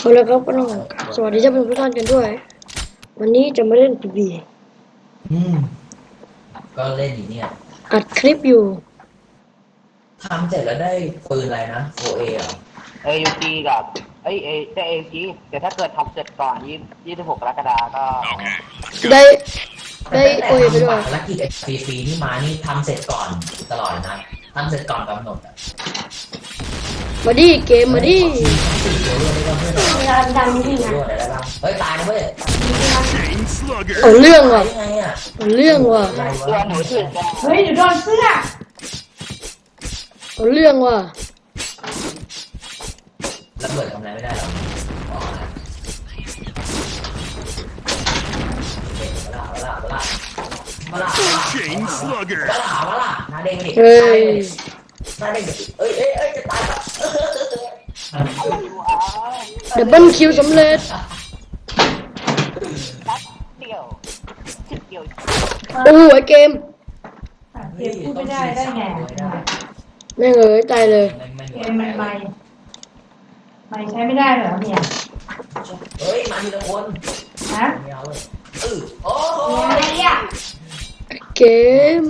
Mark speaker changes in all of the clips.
Speaker 1: เอาละครับก็ต้องสวัสดีท่านผู้ชมทุกท่านกันด้วยวันนี้จะมาเล่น PB
Speaker 2: อืมก็เล่นอยู่เนี่ย
Speaker 1: อัดคลิปอยู่
Speaker 2: ทำเสร็จแล้วได้ปืนอะไรนะ 4A เหรอ
Speaker 3: AUG กับได้ AUG แต่ถ้าเกิดทำเสร็จก่อน26กรกฎาคมก็
Speaker 1: ได้
Speaker 2: แต่
Speaker 1: โอ้ยไป
Speaker 2: ทำ
Speaker 1: ด้ว
Speaker 2: บั
Speaker 1: ย
Speaker 2: ตรภารกิจฟรีๆที่มานี่ทำเสร็จก่อนตลอดนะทำเสร็จก่อนกำหนดอ่ะ
Speaker 1: มาดิเกมมาดิ
Speaker 2: สี่ตัวด้วยไม่ต้องเพื่อน
Speaker 4: เวลาดังจริง
Speaker 2: ด้ว
Speaker 4: นะ
Speaker 2: ยอะไรบ้างเฮ้ยตายนะเว้ย
Speaker 1: เอาเรื่อง
Speaker 2: ตา
Speaker 1: ว่ะ
Speaker 2: ยยังไงอ่ะ
Speaker 1: เอาเรื่องว่ะ
Speaker 2: อะไร
Speaker 3: ตัว
Speaker 2: วะ
Speaker 3: หนูถึงจะ
Speaker 4: เฮ้ยหนูโดนเสื้อ
Speaker 1: เอาเรื่องว่ะ
Speaker 2: ระเบิดทำอะไรไม่ได้หรอกอ๋อมาล่าหน้าเด้งดิ
Speaker 1: เฮ้ย
Speaker 2: หน้าเด้งดิเอ้ยจะตายแล้ว
Speaker 1: ดับเบิลคิวสำเร็จ
Speaker 3: เดียวชิดเดียว
Speaker 1: โอ้โหไอเกม
Speaker 4: เกมพูดไม่ได้ได้ไง
Speaker 1: แม่งเอ้ยตายเลย
Speaker 4: เกมมันไม่ใช้ไม่ได้เหรอเนี่ย
Speaker 2: เฮ้ยมาทีละคน
Speaker 4: ฮะ
Speaker 2: ไม่เอาเลยโอ้โห
Speaker 4: อะไรอ่ะ
Speaker 1: เกม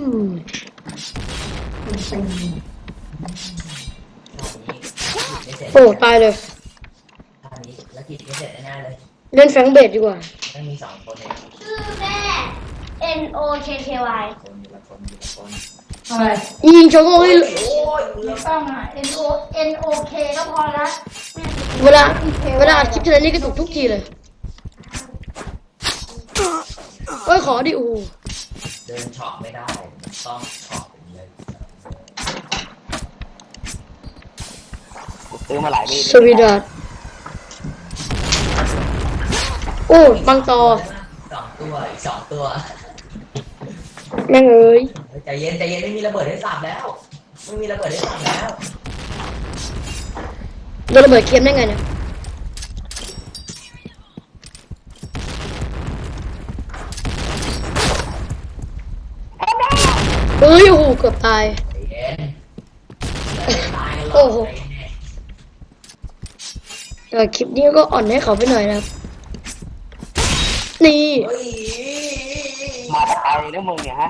Speaker 1: โอ้ตายเลย
Speaker 2: ท่านี้แล้วกิจไม่เสร็จแน่เลย
Speaker 1: เล่นแฟงเบดดีกว่า
Speaker 2: ไม่มี2 คนเอง
Speaker 4: ชื่อแม่ NOKKY
Speaker 2: คนอยู่ละคน
Speaker 4: อะไร
Speaker 1: ยิงโชว์โง่ให้
Speaker 2: โอ้ย
Speaker 4: ไม่ต้องอ่ะ NOK ก็พอละ
Speaker 1: เวลาอัดคลิปทีไรนี่กระตุกทุกทีเลยโอ้ยขอดิโอ้โห
Speaker 2: เดินช็อปไม่ได้ต้องช็อปอย่างเงี้ย
Speaker 3: ซื้อมาหลายปี
Speaker 1: สวีดัสโอ้บังตอ
Speaker 2: 2 ตัวอีก2 ตัว
Speaker 1: แม่งเอ้ย
Speaker 2: ใจเย็นไม่มีระเบิดให้สับแล้วไม่มีระเบิดให้สับแล้ว
Speaker 1: โดนระเบิดเค็มได้ไงเนี่ยเฮ้ยโอ้โหเกือบตาย
Speaker 2: ใจเย็นตายกันหร
Speaker 1: โอ้
Speaker 2: อก
Speaker 1: โห แต่คลิปนี้ก็อ่อนให้เขาไปหน่อยนะครับ นี่
Speaker 2: เฮ้ย
Speaker 3: มาตายแล้วมึงเนี่ยฮะ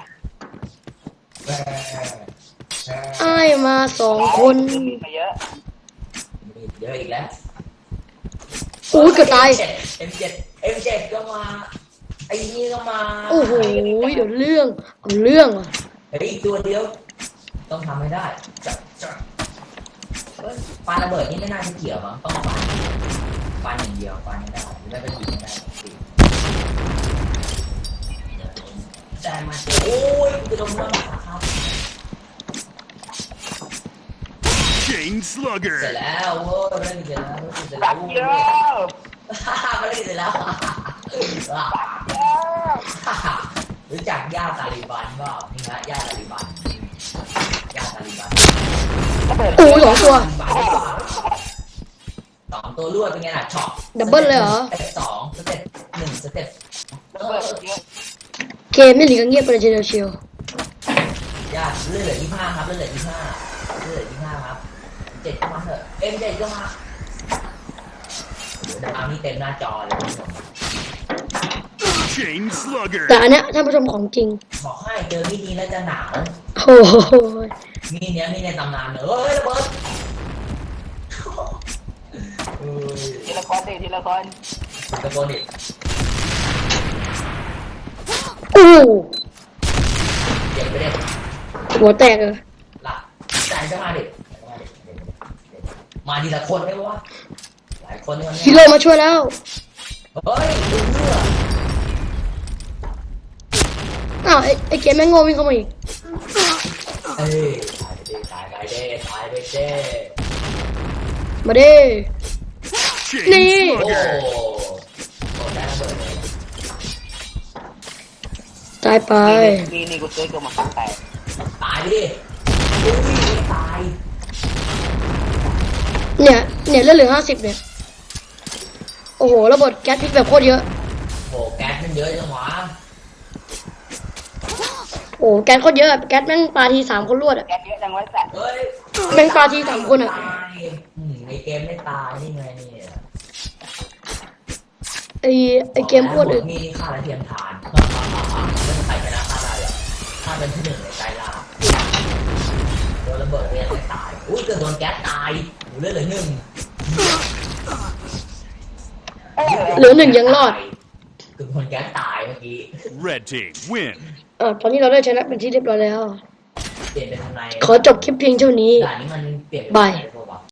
Speaker 1: อ้ายมา2 คน
Speaker 3: มาเยอะ
Speaker 2: เยอะอีกแล้ว
Speaker 1: โอ้ยเกือบตาย
Speaker 2: M7 ก็มาไอ้นี่ก็มา
Speaker 1: โอ้โหเดี๋ยวเรื่องเอาเรื่องว่ะ
Speaker 2: เฮ้ยอีกตัวเดียวต้องทำให้ได้จะปาระเบิดนี่ไม่น่าจะเกี่ยวมั้งต้องปาอย่างเดียวปาไม่ได้ไม่เป็นยิงไม่ได้ใจมาโอ้ยจะโดนมันครับ
Speaker 5: Chain Slugger
Speaker 2: เสร็จแล้วโว้ยไม่ได้เสร็จแล้วเสร็จแล้
Speaker 3: รั
Speaker 2: ว
Speaker 3: กเยอะ
Speaker 2: ไม่ได้เสร็จแล้วรู้จักย่าตาลิบันเปล่านี่ฮะย่าตาลิบันย่าตาลิบัน
Speaker 3: ระเบิด
Speaker 1: โอ้ย2 ตัว
Speaker 2: 2 ตัวรวดเป็นไงล่ะช็อป
Speaker 1: ดับเบิ้ลเลยเหรอ
Speaker 2: สเต็ป2สเต็ป1สเต็ป
Speaker 3: ระเบิดเยอะ
Speaker 1: เกมนี่หลีกเงียบไปเลยทีเดียวเชียว
Speaker 2: ญาติเลือดเหลือ25ครับเลือดเหลือ25เลือดเหลือ25ครับ7ก็มาเถอะ M7 ก็มาเดี๋ยวเอานี่เต็มหน้าจอเลยคุณผู้ชม
Speaker 5: Chain Slugger
Speaker 1: แต่อันเนี้ยท่านผู้ชมของจริง
Speaker 2: บอกให้เจอมีดนี้แล้วจะหนาว
Speaker 1: โอ้โห
Speaker 2: มีดเนี้ยมีในตำนานเลยเฮ้ยระเบิดเฮ้ย
Speaker 3: ทีละคนทีละคน
Speaker 2: ตะโกนดิ
Speaker 1: โอ้โห
Speaker 2: เจ็บไปเด็
Speaker 1: หัวแตกเลย
Speaker 2: หลับใจจะมาดิมาทีละคนได้ปะวะหลายคนนี่มัน
Speaker 1: ฮีโร่มาช่วยแล้ว
Speaker 2: เฮ้ยดูเลือด
Speaker 1: อ้าวไอ้เกมแม่งโง่วิ่งเข้ามาอีก
Speaker 2: เอ้ยตายไปเด้ตายไปเด้
Speaker 1: มาเด้
Speaker 5: Chain
Speaker 1: นี่
Speaker 2: โอ้
Speaker 5: Slugger
Speaker 2: โหได้ระเบิดเลย
Speaker 1: ตายไป
Speaker 3: นี่กูซื้อตัวมาตั้งแต่
Speaker 2: ตายไปดิอุ้ยตาย
Speaker 1: เนี่ยเลือดเหลือ50เนี่ยโอ้โหระเบิดแก๊สพิษแบบโคตรเยอะ
Speaker 2: โอ้แก๊สมันเยอะจังหวะ
Speaker 1: โอ้แก๊สโคตรเยอะอะแก๊สแม่งปาที3 คนรวดอะ
Speaker 3: แกเยอะจังไว้แต่
Speaker 2: เฮ้ย
Speaker 1: แม่งปาที3 คนอะ
Speaker 2: ตายในเกมไม่ตายนี่ไงเนี่ย
Speaker 1: ไอเกมอ้วน
Speaker 2: อื่
Speaker 1: อื่
Speaker 2: น
Speaker 1: น
Speaker 2: นี่ฆ่าและเทียมทานไม่ใครชนะฆ่าได้เลยฆ่าเป็นที่หนึ่งในใจลาโดนระเบิดเนี่ยไม่ตายอุ้ยเกิดโดนแก๊สตายหูเลือดเหลือหนึ่ง
Speaker 1: เหลือหนึ่งยังรอด
Speaker 2: เกิดโดนแก๊สตายเมื่อกี้
Speaker 5: Red team win.
Speaker 1: ตอนนี้เราได้ชนะเป็นที่เรียบร้อยแล้ว
Speaker 2: เปลี่ยนเป็นทำไม
Speaker 1: ขอจบคลิปเพียงเท่านี้
Speaker 2: ด่านนี้มันเปลี่ยน
Speaker 1: บาย